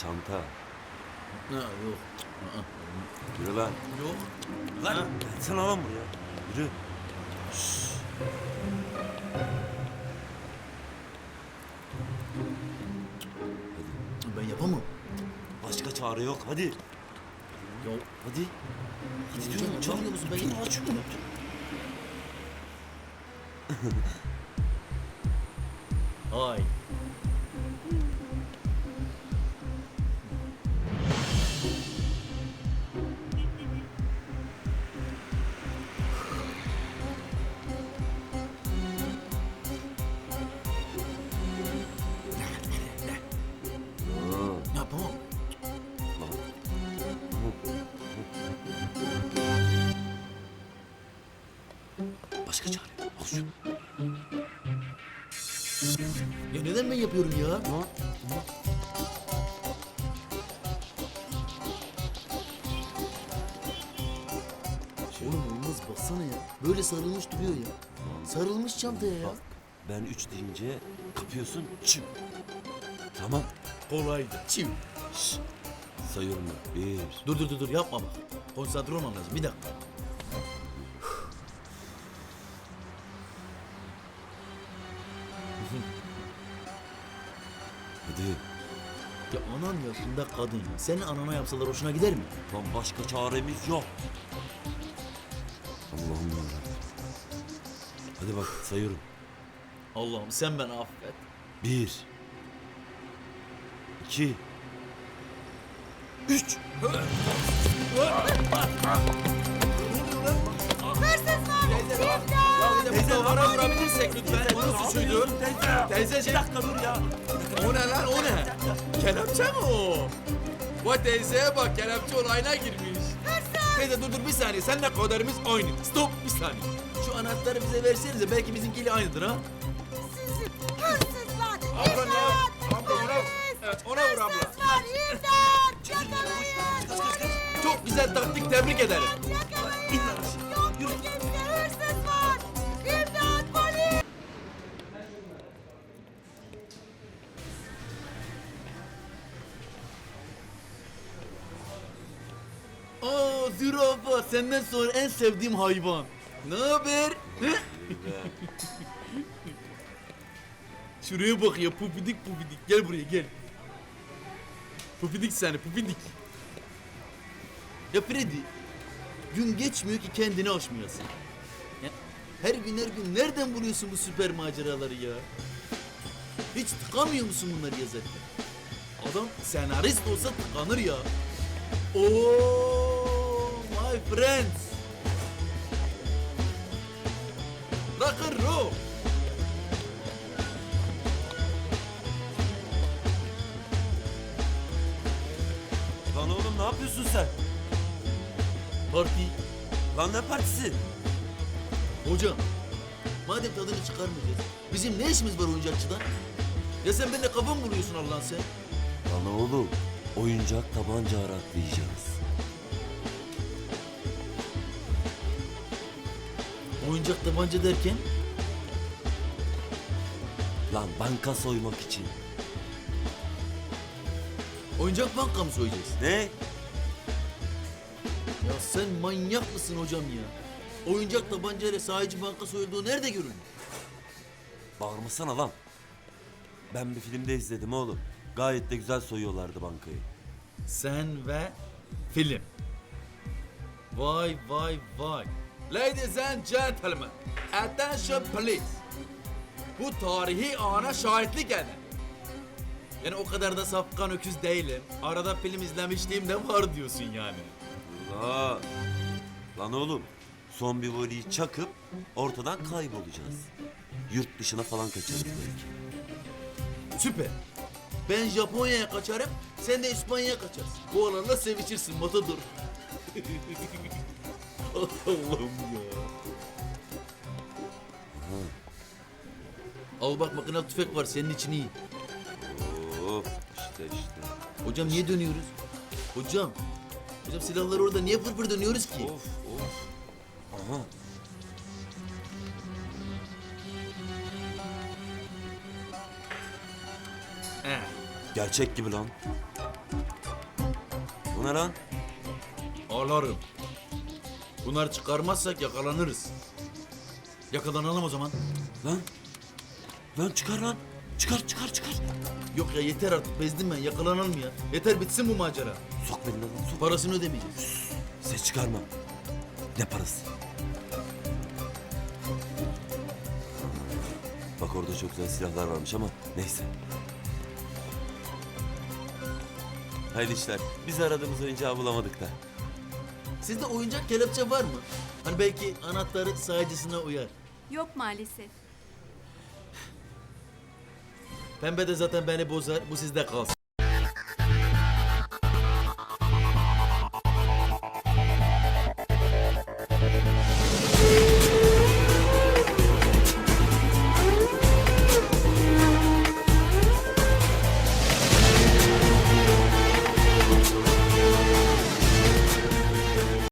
çanta. Ha, yok. Aa, Yürü lan. yok. Lan gelsene lan buraya. Yürü. Ben yapamam. Başka çare yok. Hadi. Ya Hadi. Hadi hocam diyorum. Çabuk. anlamıyor musun? Ben Dur, aç şunu. Ay. Yapamam. Başka çare yok. Al şunu. Ya neden ben yapıyorum ya? Oğlum olmaz baksana ya. Böyle sarılmış duruyor ya. Sarılmış çantaya ya. Bak ben 3 deyince kapıyorsun. Çim. Tamam. Kolaydı. Çiv. Şşş. Sayıyorum ben. 1. Dur yapma bak. Konsantre olmam lazım. Bir dakika. Hadi. Ya anan yaşında kadın ya. Senin anana yapsalar hoşuna gider mi? Lan başka çaremiz yok. Allah'ım ya. Hadi bak sayıyorum. Allah'ım sen beni affet. 1 2 3. Teyze duvara vurabilirsek lütfen. Onun suçuydu. Teyzeciğim. Bir dakika dur ya. O ne lan o ne? Kelepçe mi o? Vay teyzeye bak kelepçe olayına girmiş. Teyze dur bir saniye seninle kaderimiz aynı. Stop bir saniye. Şu anahtarı bize versenize belki bizimkiyle aynıdır ha. Hırsızlar! Abla ne? İmdat! Abla ona, evet, ona vur abla. Hırsızlar! İmdat! Yakalayın! Polis! Çok güzel taktik tebrik ederim. Yakalayın! Yok mu kimse hırsız var! İmdat! Polis! Aa zürafa senden sonra en sevdiğim hayvan. Ne haber? Hı? Şuraya bak ya pufidik gel buraya gel. Pufidik seni pufidik. Ya Freddy gün geçmiyor ki kendini aşmayasın. Ya, her gün nereden buluyorsun bu süper maceraları ya? Hiç tıkamıyor musun bunları yazarken? Adam senarist olsa tıkanır ya. Oh my friends. Rock and roll. Lan oğlum ne yapıyorsun sen? Parti. Lan ne partisi? Hocam, madem tadını çıkarmayacağız, bizim ne işimiz var oyuncakçıda? Ya sen benimle kafa mı buluyorsun Allah'ın sen? Lan oğlum oyuncak tabanca araklayacağız. Oyuncak tabanca derken? Lan banka soymak için. Oyuncak banka mı soyacağız? Ne? Ya sen manyak mısın hocam ya? Oyuncak tabancayla sahici banka soyulduğu nerede görülür? Bağırmasana lan. Ben bir filmde izledim oğlum. Gayet de güzel soyuyorlardı bankayı. Sen ve film. Vay. Ladies and gentlemen, attention please. Bu tarihi ana şahitlik edin. Yani o kadar da safkan öküz değilim. Arada film izlemişliğim de var diyorsun yani. Lan. Lan oğlum. Son bir voleyi çakıp ortadan kaybolacağız. Yurt dışına falan kaçarız belki. Süper. Ben Japonya'ya kaçarım, sen de İspanya'ya kaçarsın. Bu alanla sevişirsin Matador. Allah'ım ya. Al bak makinalı tüfek var senin için iyi. Hop işte. Hocam niye dönüyoruz? Hocam silahlar orada niye fırfır dönüyoruz ki? Of. Aha. He. Gerçek gibi lan. Bu ne lan? Alarım. Bunları çıkarmazsak yakalanırız. Yakalanalım o zaman. Lan. Lan çıkar lan. Çıkar çıkar çıkar. Yok ya yeter artık bezdim ben yakalanalım ya. Yeter bitsin bu macera. Sok beni lan sok. Parasını ödemeyeceğiz. Ses çıkarma. Ne parası? Bak orada çok güzel silahlar varmış ama neyse. Hayırlı işler. Biz aradığımız oyuncağı bulamadık da. Sizde oyuncak kelepçe var mı? Hani belki anahtarı sahicısına uyar. Yok maalesef. Pembe de zaten beni bozar. Bu sizde kalsın.